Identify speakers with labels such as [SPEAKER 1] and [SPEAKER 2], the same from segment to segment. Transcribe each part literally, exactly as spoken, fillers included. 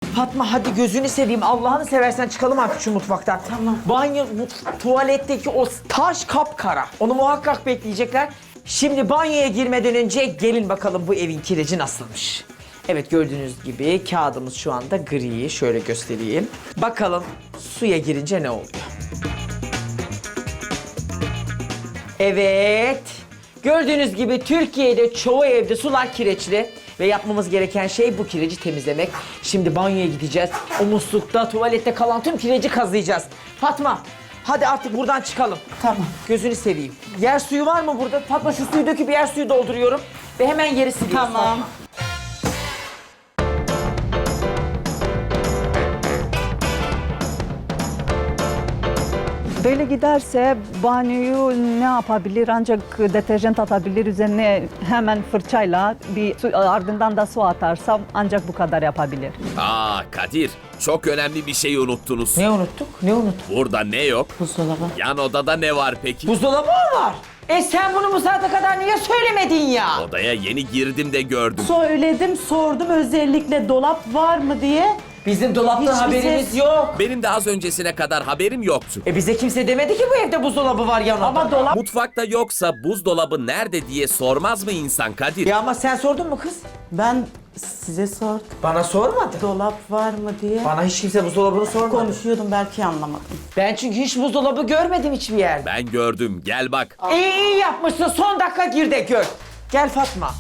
[SPEAKER 1] Fatma hadi gözünü seveyim. Allah'ını seversen çıkalım artık şu mutfaktan.
[SPEAKER 2] Tamam.
[SPEAKER 1] Banyo, mutf- tuvaletteki o taş kapkara. Onu muhakkak bekleyecekler. Şimdi banyoya girmeden önce gelin bakalım bu evin kireci nasılmış. Evet gördüğünüz gibi kağıdımız şu anda gri. Şöyle göstereyim. Bakalım suya girince ne oluyor? Evet. Gördüğünüz gibi Türkiye'de çoğu evde sular kireçli. Ve yapmamız gereken şey bu kireci temizlemek. Şimdi banyoya gideceğiz. O muslukta, tuvalette kalan tüm kireci kazıyacağız. Fatma, hadi artık buradan çıkalım.
[SPEAKER 2] Tamam.
[SPEAKER 1] Gözünü seveyim. Yer suyu var mı burada? Fatma şu suyu döküp yer suyu dolduruyorum. Ve hemen yeri siliyoruz.
[SPEAKER 2] Tamam.
[SPEAKER 1] Fatma.
[SPEAKER 3] Böyle giderse banyoyu ne yapabilir? Ancak deterjan atabilir üzerine hemen fırçayla bir su, ardından da su atarsam ancak bu kadar yapabilir.
[SPEAKER 4] Aa Kadir, çok önemli bir şey unuttunuz.
[SPEAKER 1] Ne unuttuk? Ne unuttuk?
[SPEAKER 4] Burada ne yok?
[SPEAKER 2] Buzdolabı.
[SPEAKER 4] Yan odada ne var peki?
[SPEAKER 1] Buzdolabı mı var? E sen bunu bu saate kadar niye söylemedin ya?
[SPEAKER 4] Odaya yeni girdim de gördüm.
[SPEAKER 2] Söyledim, sordum özellikle dolap var mı diye.
[SPEAKER 1] Bizim dolaptan
[SPEAKER 2] Hiçbir
[SPEAKER 1] haberimiz
[SPEAKER 2] ses-
[SPEAKER 1] yok.
[SPEAKER 4] Benim de az öncesine kadar haberim yoktu.
[SPEAKER 1] E bize kimse demedi ki bu evde buzdolabı var yanında.
[SPEAKER 2] Ama dolap...
[SPEAKER 4] Mutfakta yoksa buzdolabı nerede diye sormaz mı insan Kadir?
[SPEAKER 1] Ya ama sen sordun mu kız?
[SPEAKER 2] Ben size sordum.
[SPEAKER 1] Bana sormadı.
[SPEAKER 2] Dolap var mı diye.
[SPEAKER 1] Bana hiç kimse buzdolabını sormadı.
[SPEAKER 2] Konuşuyordum, belki anlamadım.
[SPEAKER 1] Ben çünkü hiç buzdolabı görmedim hiçbir yerde.
[SPEAKER 4] Ben gördüm, gel bak.
[SPEAKER 1] İyi iyi yapmışsın. Son dakika gir de gör. Gel Fatma.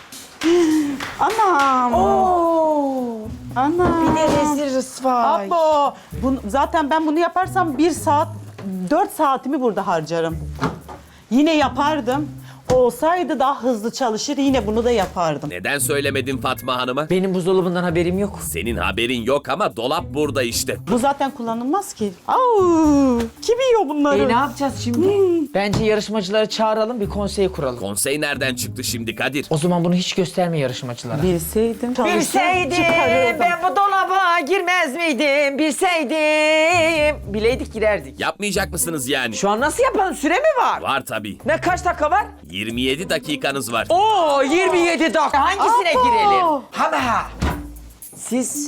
[SPEAKER 2] Anam.
[SPEAKER 1] Oo.
[SPEAKER 2] Anam.
[SPEAKER 1] Bir de rezil rısvay.
[SPEAKER 2] Abo. Bunu, zaten ben bunu yaparsam bir saat, dört saatimi burada harcarım. Yine yapardım. Olsaydı daha hızlı çalışır, yine bunu da yapardım.
[SPEAKER 4] Neden söylemedin Fatma Hanım'a?
[SPEAKER 1] Benim buzdolabından haberim yok.
[SPEAKER 4] Senin haberin yok ama dolap burada işte.
[SPEAKER 2] Bu zaten kullanılmaz ki. Au, kim yiyor bunları?
[SPEAKER 1] E ne yapacağız şimdi? Bence yarışmacıları çağıralım, bir konsey kuralım.
[SPEAKER 4] Konsey nereden çıktı şimdi Kadir?
[SPEAKER 1] O zaman bunu hiç gösterme yarışmacılara.
[SPEAKER 2] Bilseydim. çalışsam
[SPEAKER 1] Bilseydim
[SPEAKER 2] çıkarırdım.
[SPEAKER 1] ben bu dolaba girmez miydim? Bilseydim. Bileydik girerdik.
[SPEAKER 4] Yapmayacak mısınız yani?
[SPEAKER 1] Şu an nasıl yapalım? Süre mi var?
[SPEAKER 4] Var tabii.
[SPEAKER 1] Ne kaç dakika var?
[SPEAKER 4] yirmi yedi dakikanız var.
[SPEAKER 1] Oo yirmi yedi dakika. Hangisine
[SPEAKER 2] Abo!
[SPEAKER 1] girelim? Hama. Siz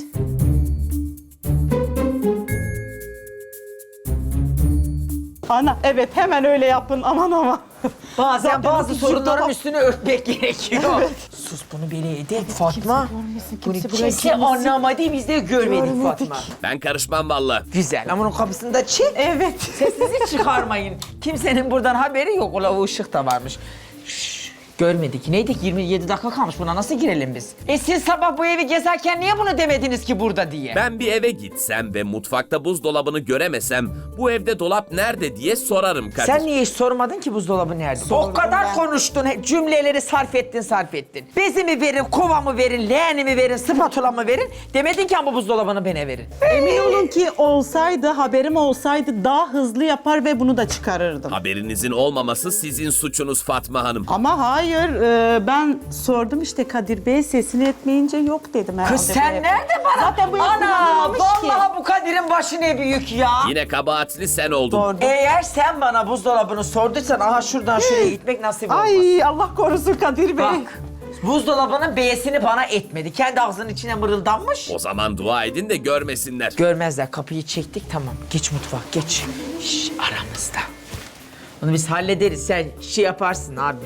[SPEAKER 2] Ana, evet, hemen öyle yapın, aman aman.
[SPEAKER 1] bazen
[SPEAKER 2] Zaten
[SPEAKER 1] bazı
[SPEAKER 2] bu
[SPEAKER 1] sorunların
[SPEAKER 2] dolap-
[SPEAKER 1] üstünü örtmek gerekiyor. Sus bunu beleydi Fatma.
[SPEAKER 2] görmesin,
[SPEAKER 1] Bunu
[SPEAKER 2] kimse burayı
[SPEAKER 1] kimse
[SPEAKER 2] görmesin.
[SPEAKER 1] anlamadı biz de görmedik,
[SPEAKER 2] Görmedik.
[SPEAKER 1] Fatma.
[SPEAKER 4] Ben karışmam valla.
[SPEAKER 1] Güzel ama onun kapısını da çek.
[SPEAKER 2] Evet.
[SPEAKER 1] Sesinizi çıkarmayın. Kimsenin buradan haberi yok. Ola o ışık da varmış. Şşş, görmedik. Neydik? yirmi yedi dakika kalmış. Buna nasıl girelim biz? E siz sabah bu evi gezerken niye bunu demediniz ki burada diye?
[SPEAKER 4] Ben bir eve gitsem ve mutfakta buzdolabını göremesem bu evde dolap nerede diye sorarım Kadir.
[SPEAKER 1] Sen niye hiç sormadın ki buzdolabı nerede? o kadar
[SPEAKER 2] ben.
[SPEAKER 1] konuştun, he- cümleleri sarf ettin, sarf ettin. Bezimi verin, kovamı verin, leğenimi verin, spatulamı verin. Demedin ki ama buzdolabını bana verin.
[SPEAKER 2] Emin olun ki olsaydı, haberim olsaydı daha hızlı yapar ve bunu da çıkarırdım.
[SPEAKER 4] Haberinizin olmaması sizin suçunuz Fatma Hanım.
[SPEAKER 2] Ama hayır, e, ben sordum işte Kadir Bey, sesini etmeyince yok dedim herhalde.
[SPEAKER 1] Kız
[SPEAKER 2] bu
[SPEAKER 1] sen
[SPEAKER 2] evde.
[SPEAKER 1] nerede bana?
[SPEAKER 2] Zaten bu ev
[SPEAKER 1] Ana,
[SPEAKER 2] kullanılmamış ki.
[SPEAKER 1] vallahi bu Kadir'in başı ne büyük ya.
[SPEAKER 4] Yine kabahatli sen oldun.
[SPEAKER 2] Sordum.
[SPEAKER 1] Eğer sen bana buzdolabını sorduysan aha şuradan şuraya gitmek nasip olmaz.
[SPEAKER 2] Ay Allah korusun Kadir Bey.
[SPEAKER 1] Bak, buzdolabının B'sini bana etmedi. Kendi ağzının içine mırıldanmış.
[SPEAKER 4] O zaman dua edin de görmesinler.
[SPEAKER 1] Görmezler, kapıyı çektik, tamam. Geç mutfak, geç. Şş, aramızda. Onu biz hallederiz, sen şey yaparsın abi.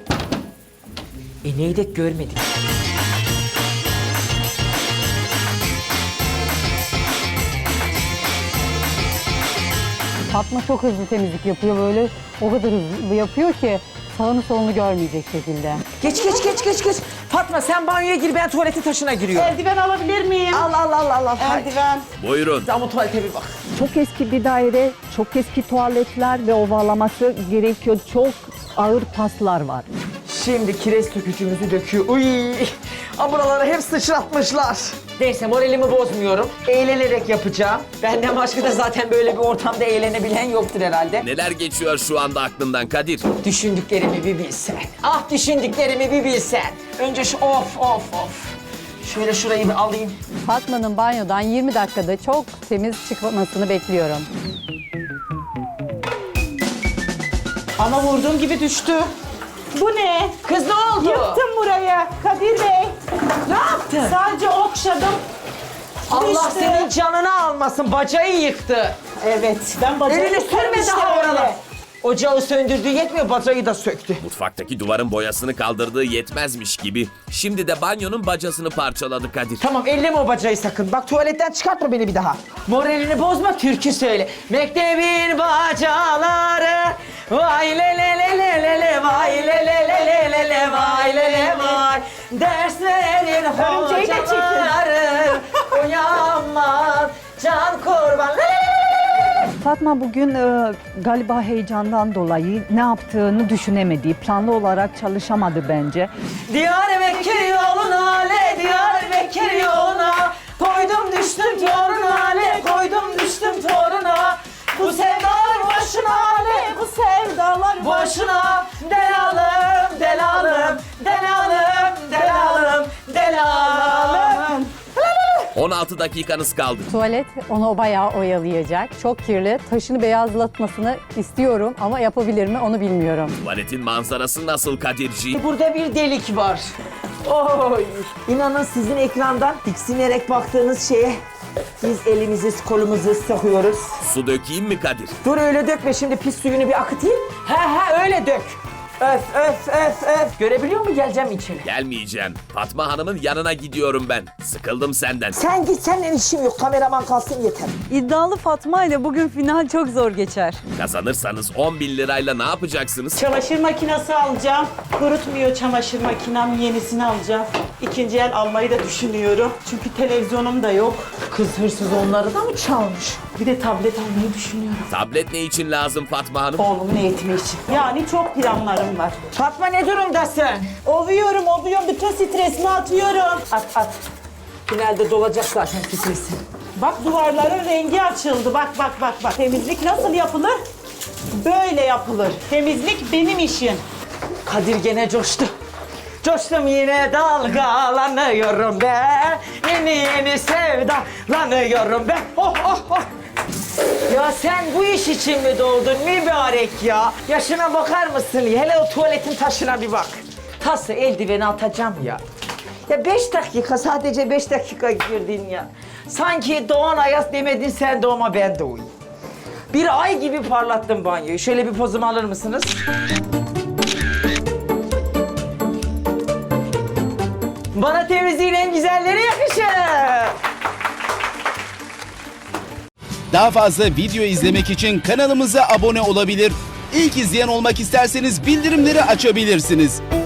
[SPEAKER 1] E neydi görmedik.
[SPEAKER 5] Fatma çok hızlı temizlik yapıyor böyle. O kadar hızlı yapıyor ki sağını solunu görmeyecek şekilde.
[SPEAKER 1] Geç, geç, geç, geç, geç. Fatma sen banyoya gir, ben tuvaletin taşına giriyorum.
[SPEAKER 2] Eldiven alabilir miyim?
[SPEAKER 1] Al, al, al, al, al. Haydi.
[SPEAKER 2] Eldiven.
[SPEAKER 4] Buyurun.
[SPEAKER 1] Ama tuvalete bir bak.
[SPEAKER 3] Çok eski bir daire, çok eski tuvaletler ve ovalaması gerekiyor. Çok ağır paslar var.
[SPEAKER 1] Şimdi kireç sökücümüzü döküyor. Uy! Aa, buraları hep sıçratmışlar. Neyse moralimi bozmuyorum. Eğlenerek yapacağım. Benden başka da zaten böyle bir ortamda eğlenebilen yoktur herhalde.
[SPEAKER 4] Neler geçiyor şu anda aklından Kadir?
[SPEAKER 1] Düşündüklerimi bir bilsen. Ah düşündüklerimi bir bilsen. Önce şu of of of. Şöyle şurayı bir alayım.
[SPEAKER 5] Fatma'nın banyodan yirmi dakikada çok temiz çıkmasını bekliyorum.
[SPEAKER 2] Ama vurduğum gibi düştü. Bu ne?
[SPEAKER 1] Kız ne oldu?
[SPEAKER 2] Yıktım burayı Kadir Bey.
[SPEAKER 1] Ne yaptın?
[SPEAKER 2] Sadece okşadım.
[SPEAKER 1] Allah
[SPEAKER 2] İşte.
[SPEAKER 1] senin canını almasın. Bacayı yıktı.
[SPEAKER 2] Evet. Ben bacayı
[SPEAKER 1] Elini sürme
[SPEAKER 2] işte
[SPEAKER 1] daha
[SPEAKER 2] böyle.
[SPEAKER 1] oralar. Ocağı söndürdüğü yetmiyor, bacayı da söktü.
[SPEAKER 4] Mutfaktaki duvarın boyasını kaldırdığı yetmezmiş gibi şimdi de banyonun bacasını parçaladı Kadir.
[SPEAKER 1] Tamam, elleme o bacayı sakın. Bak tuvaletten çıkartma beni bir daha. Moralini bozma, türkü söyle. Mektebin bacaları vay le le le le le le vay le le le le le le vay le le vay. Derslerin
[SPEAKER 2] Örümceği de çekin.
[SPEAKER 1] hocaları uyanmaz can kurban. Le le le le le.
[SPEAKER 3] Fatma bugün e, galiba heyecandan dolayı ne yaptığını düşünemedi. Planlı olarak çalışamadı bence.
[SPEAKER 1] Diyarbakır yoluna le Diyarbakır yoluna koydum düştüm toruna le koydum düştüm toruna bu sevdalar boşuna le
[SPEAKER 2] Bu sevdalar
[SPEAKER 1] boşuna delalım delalım delalım delalım delalım.
[SPEAKER 4] on altı dakikanız kaldı.
[SPEAKER 5] Tuvalet onu bayağı oyalayacak. Çok kirli. Taşını beyazlatmasını istiyorum ama yapabilir mi onu bilmiyorum.
[SPEAKER 4] Tuvaletin manzarası nasıl Kadirci?
[SPEAKER 1] Burada bir delik var. Oy. İnanın sizin ekrandan tiksinerek baktığınız şeye biz elimizi kolumuzu sokuyoruz.
[SPEAKER 4] Su dökeyim mi Kadir?
[SPEAKER 1] Dur öyle dökme, şimdi pis suyunu bir akıtayım. He he öyle dök. Öf öf öf öf. Görebiliyor musun? Geleceğim içeri.
[SPEAKER 4] Gelmeyeceğim. Fatma Hanım'ın yanına gidiyorum ben. Sıkıldım senden.
[SPEAKER 1] Sen git, seninle işim yok. Kameraman kalsın yeter.
[SPEAKER 6] İddialı Fatma ile bugün final çok zor geçer.
[SPEAKER 4] Kazanırsanız on bin lirayla ne yapacaksınız?
[SPEAKER 2] Çamaşır makinesi alacağım. Kurutmuyor çamaşır makinem, yenisini alacağım. İkinci el almayı da düşünüyorum. Çünkü televizyonum da yok.
[SPEAKER 1] Kız hırsız onları da mı çalmış?
[SPEAKER 2] Bir de tablet almayı düşünüyorum.
[SPEAKER 4] Tablet ne için lazım Fatma Hanım?
[SPEAKER 2] Oğlumun eğitimi için. Yani çok planlarım var.
[SPEAKER 1] Fatma ne durumdasın?
[SPEAKER 2] Ovuyorum, ovuyorum. Bütün stresimi atıyorum.
[SPEAKER 1] At at. Finalde dolacak zaten stresi.
[SPEAKER 2] Bak duvarların rengi açıldı. Bak bak bak bak. Temizlik nasıl yapılır? Böyle yapılır. Temizlik benim işim.
[SPEAKER 1] Kadir gene coştu. Coştum yine dalgalanıyorum ben. Yeni yeni sevdalanıyorum ben. Oh oh oh. Ya sen bu iş için mi doğdun mübarek ya? Yaşına bakar mısın? Hele o tuvaletin taşına bir bak. Tası eldiveni atacağım ya. Ya beş dakika, sadece beş dakika girdin ya. Sanki Doğan Ayaz demedin sen doğma ben doğayım. Bir ay gibi parlattım banyoyu. Şöyle bir pozumu alır mısınız? Bana temizliğin en güzelleri yakışır.
[SPEAKER 7] Daha fazla video izlemek için kanalımıza abone olabilir. İlk izleyen olmak isterseniz bildirimleri açabilirsiniz.